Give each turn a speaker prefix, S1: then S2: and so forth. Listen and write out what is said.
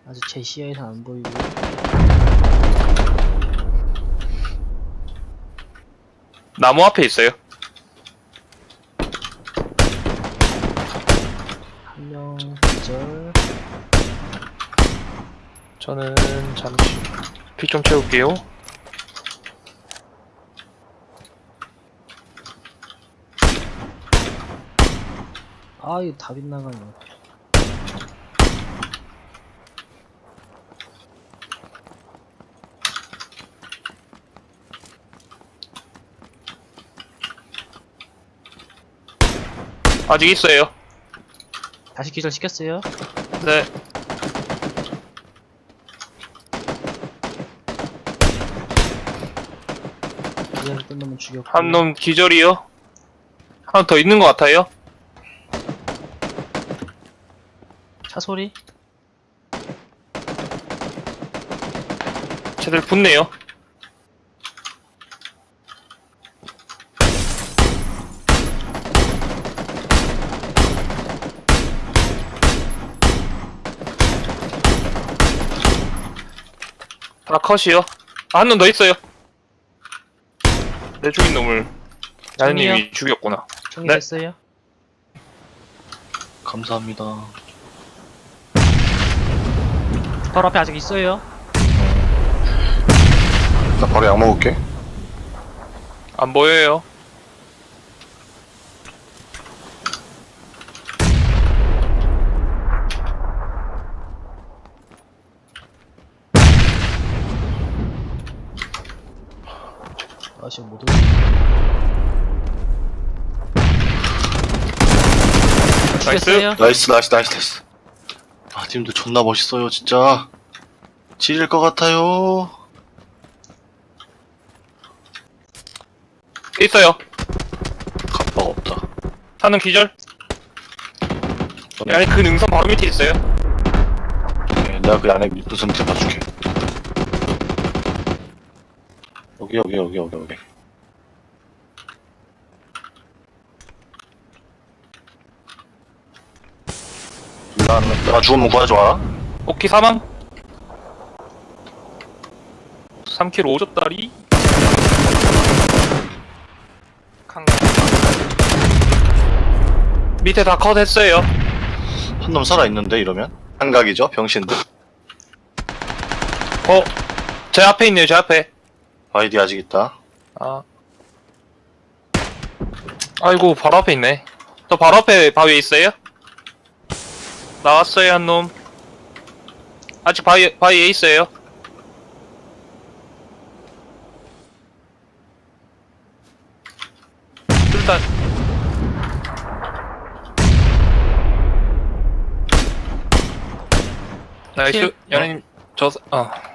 S1: 아직 제 시야에서 안 보이고.
S2: 나무 앞에 있어요.
S1: 한 명 기절.
S2: 저는 잠시 피 좀 채울게요.
S1: 아, 이거 다 빗나가네.
S2: 아직 있어요.
S1: 다시 기절 시켰어요.
S2: 네.
S1: 기절했던 놈은 죽였고.
S2: 한 놈 기절이요. 하나 더 있는 것 같아요.
S1: 차 소리?
S2: 쟤들 붙네요. 다 컷이요. 아, 한 놈 더 있어요. 내 죽인 놈을 야연님이 죽였구나.
S1: 총이
S2: 네.
S1: 됐어요.
S3: 감사합니다.
S1: 바로 앞에 아직 있어요.
S3: 나 바로 약 먹을게.
S2: 안 보여요.
S1: 아씨 못 오네. 죽였어요.
S3: 나이스. 아, 팀들 존나 멋있어요, 진짜. 지릴 것 같아요.
S2: 있어요.
S3: 갑바가 없다.
S2: 하는 기절. 아니, 그 능선 바로 밑에 있어요.
S3: 네, 내가 그 안에 무슨 밑에 봐줄게. 여기. 내가 죽으면 구해줘.
S2: 오키 사망. 3kg 5젓다리. 밑에 다 컷했어요.
S3: 한 놈 살아있는데, 이러면? 한각이죠, 병신들.
S2: 제 앞에 있네요, 제 앞에.
S3: 아이디 아직 있다.
S2: 아. 아이고, 바로 앞에 있네. 저 바로 앞에 바위에 있어요? 나왔어요, 한 놈. 아직 바위에 있어요. 일단. 나이스.
S1: 킬.
S2: 연예님,